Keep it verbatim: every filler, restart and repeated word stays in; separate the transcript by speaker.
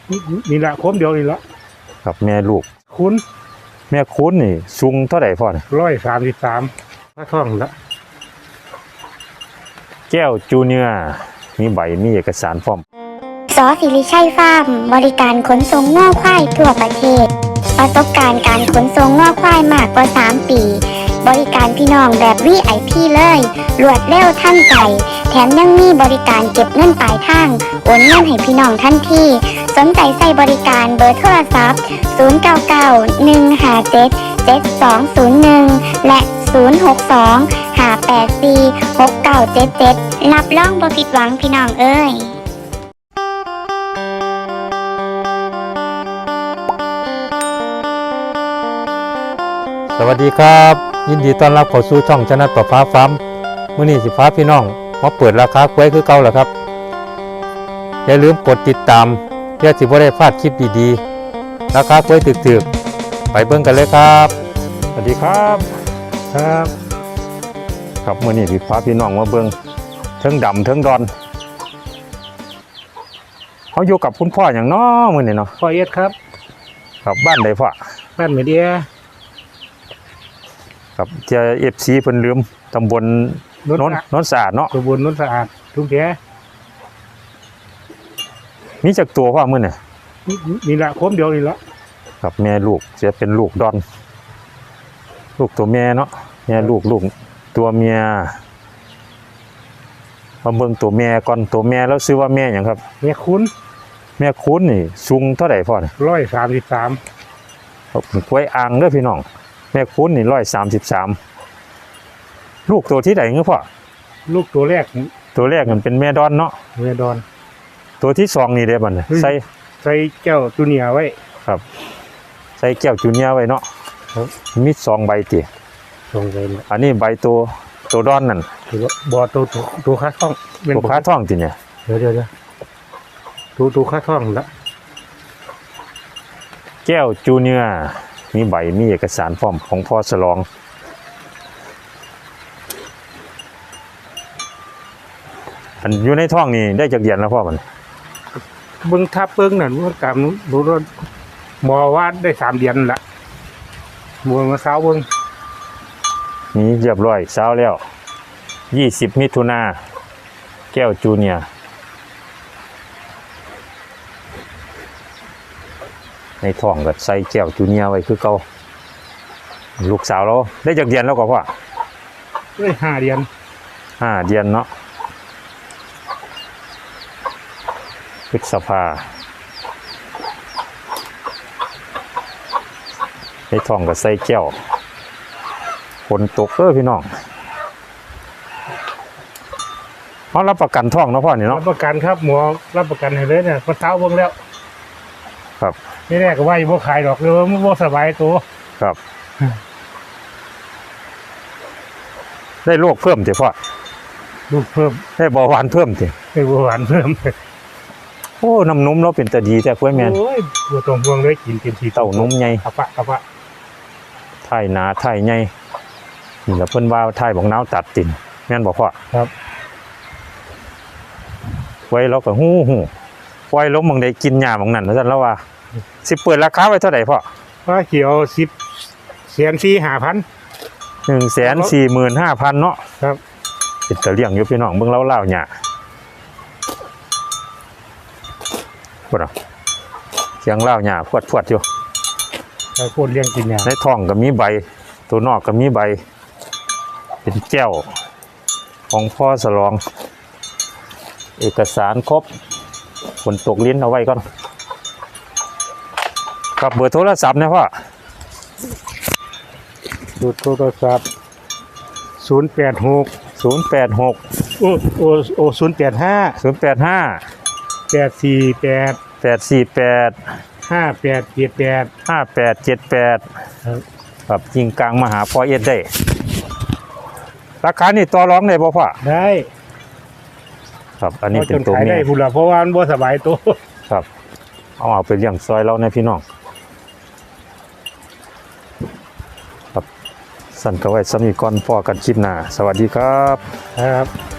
Speaker 1: นี่ละคมเดียวนี่ละ
Speaker 2: ครับแม่ลูก
Speaker 1: คุณ
Speaker 2: แม่คุณนี่สูงเท่าไหร่พ่อเนี่ย
Speaker 1: ร้อยสามสิบสามพระท่องละ
Speaker 2: แก้วจูเนียร์มีใบมีเอกสารพร้อม
Speaker 3: สอสิริชัยฟาร์มบริการขนส่งง่อควายทั่วประเทศประสบการณ์การขนส่งง่อควายมากกว่าสามปีบริการพี่น้องแบบ วี ไอ พี เลยรวดเร็วทันใจแถมยังมีบริการเก็บเงินปลายทางโอนเงินให้พี่น้องทันทีสนใจใส่บริการเบอร์โทรศัพท์ศูนย์ เก้า เก้า หนึ่ง ห้า เจ็ด เจ็ด สอง ศูนย์ หนึ่งและศูนย์ หก สอง ห้า แปด สี่ หก เก้า เจ็ด เจ็ดรับรองบ่ผิดหวังพี่น้องเอ้ย
Speaker 2: สวัสดีครับยินดีต้อนรับเข้าสู่ช่องชนะต่อฟ้าฟาร์มมื้อนี้สิพาพี่น้องมาเปิดราคากล้วยคือเก่าแล้วครับอย่าลืมกดติดตามเพื่อสิบ่ได้พลาดคลิปดีๆราคากล้วยถึกๆไปเบิ่งกันเลยครับสวัสดีครับ
Speaker 1: ครับ
Speaker 2: ครับมื้อนี้สิพาพี่น้องมาเบิ่งเทิงดำเทิงดอนเฮาอยู่กับคุณพ่อหยังน้อมื้อนี้เนาะ
Speaker 1: พ่อเอ็ดครับ
Speaker 2: ครับบ้านใดพ่อ
Speaker 1: บ้านเมเดีย
Speaker 2: ครับเจ้า เอฟ ซี เพิ่นลืมตำบลโนนโนนสะอาดเนาะ
Speaker 1: ตำบลโนนสะอาดทุ่งแก
Speaker 2: มีจักตัวพ่อมื้อนี่
Speaker 1: นี่ละคมเดียวนี่ละ
Speaker 2: ครับแม่ลูกจะเป็นลูกดอนลูกตัวแม่เนาะแม่ลูกลูกตัวเมียมาเบิ่งตัวแม่ก่อนตัวแม่แล้วซื้อว่าแม่หยังครับ
Speaker 1: แม่คุณ
Speaker 2: แม่คุณนี่สูงเท่าไหร่พ่อนี่
Speaker 1: ร้อยสามสิบสาม
Speaker 2: ครับกล้วยอ่างเด้อพี่น้องแม่คุณนี่ร้อยสามสิบสามลูกตัวที่ไหนเงี้ยพ่อ
Speaker 1: ลูกตัวแรก
Speaker 2: ตัวแรกมันเป็นแม่ดอนเนาะ
Speaker 1: แม่ดอน
Speaker 2: ตัวที่สองนี่เด้บัดน่ะใส่
Speaker 1: ใส่แก้วจูเนียร์ไว้
Speaker 2: ครับใส่แก้วจูเนียร์ไว้เนาะมีสองใบติ
Speaker 1: สองใบ
Speaker 2: อันนี้ใบตัวตัวดอนนั่น
Speaker 1: ถือว่าบ่ตัวตัวค้าท่อง
Speaker 2: ตัวค้าท่องติเนี่ย
Speaker 1: เดี๋ยวเดี๋ยวเดี๋ยวตัวตัวค้าท่องละ
Speaker 2: แก้วจูเนียร์มีใบมีเอกสารพร้อมของพ่อสลองอันอยู่ในท้องนี่ได้จากเดือนแล้วพ่อมัน
Speaker 1: เบิ้งทับเบิ้งนั่นว่ากามรู้ว่าหมอว่าได้สามเดือนละมวยมาเช้าเบิ้ง
Speaker 2: นี่เรียบร้อยเช้าแล้วยี่สิบมิถุนาแก้วจูเนียร์ในท้องก็ใส่แก้วจูเนียร์ไว้คือเก่าลูกสาวเราได้จากเดือนแล้วก็พ่อ
Speaker 1: ได้ห้าเดือน
Speaker 2: ห้าเดือนเนาะพฤษภาในท้องก็ใส่แก้วฝนตกเออพี่น้องเขารับประกันท้องเนาะพ่อนี่เนาะ
Speaker 1: รับประกันครับหมอรับประกันให้เลยเนี่ยพอเช้าเบิ้งแล้ว
Speaker 2: ครับ
Speaker 1: นี่แรกก็ว่าอยู่บ่ขายดอกเลยมันบ่สบายตัว
Speaker 2: ครับได้โรคเพิ่มสิพ่อ
Speaker 1: ลูกเพิ่ม
Speaker 2: ได้เบาหวานเพิ่มสิ
Speaker 1: ได้เบาหวานเพิ่ม
Speaker 2: โอ้น้ำนมเราเป็นตาดีแต่กล้วยแมน
Speaker 1: โอ้ยบัวตรงพวงเลยกินกินที
Speaker 2: เต้านมใหญ่
Speaker 1: อะปะอะปะ
Speaker 2: ไถ่หนาไถ่ใหญ่นี่แหละเพิ่นว่าไถ่บอกน้าวตัดติ่นแม่นบอกพ่อ
Speaker 1: ครับ
Speaker 2: ไว้เราก็หู้หู้ไว้ล้มบางใดกินหญ้าบางนั้นแล้วแล้วว่าสิเปิดราคาไว้เท่าไหร่พ่อ
Speaker 1: ว่าเขียวสิบแสนสี่ห้าพัน
Speaker 2: หนึ่งแสนสี่หมื่นห้าพันเนาะ
Speaker 1: ครับ
Speaker 2: เป็นตะเลี่ยงอยู่พี่น้องเบิ่งเล่าเล่าหญ้าพวดเสียงเล่าหญ้าพวดพวดอยู่
Speaker 1: ไอ้พวดเลี้ยงกินหญ้า
Speaker 2: ในท้องก็มีใบตัวนอกก็มีใบเป็นแก้วของพ่อสลองเอกสารครบฝนตกลิ้นเอาไว้ก่อนกับเบอร์โทรศัพท์นะพ่อ
Speaker 1: ดูโทรศัพท์ศูนย์แปดหก
Speaker 2: ศูนย์แปดหก
Speaker 1: โอ้โอ้โอ้ศูนย์แปดห้า
Speaker 2: ศูนย์แปดห้า
Speaker 1: แปดสี่แปด
Speaker 2: แปดสี่แปด
Speaker 1: ห้าแปดเจ็ดแปด
Speaker 2: ห้าแปดเจ็ดแปดครับยิงกลางมาหาพ่อเอ็ดได้ราคานี่ต่อรองได้บ่พ่อ
Speaker 1: ได้
Speaker 2: ครับอันนี้เป็นตัวเมีย
Speaker 1: ได้พุ่นละเพราะว่ามันบ่สบายตัว
Speaker 2: ครับเอาเอาไปเลี้ยงซอยเราในพี่น้องครับสั่นก็ไว้สมีก่อนพ่อกันคลิปหน้าสวัสดีครับ
Speaker 1: ครับ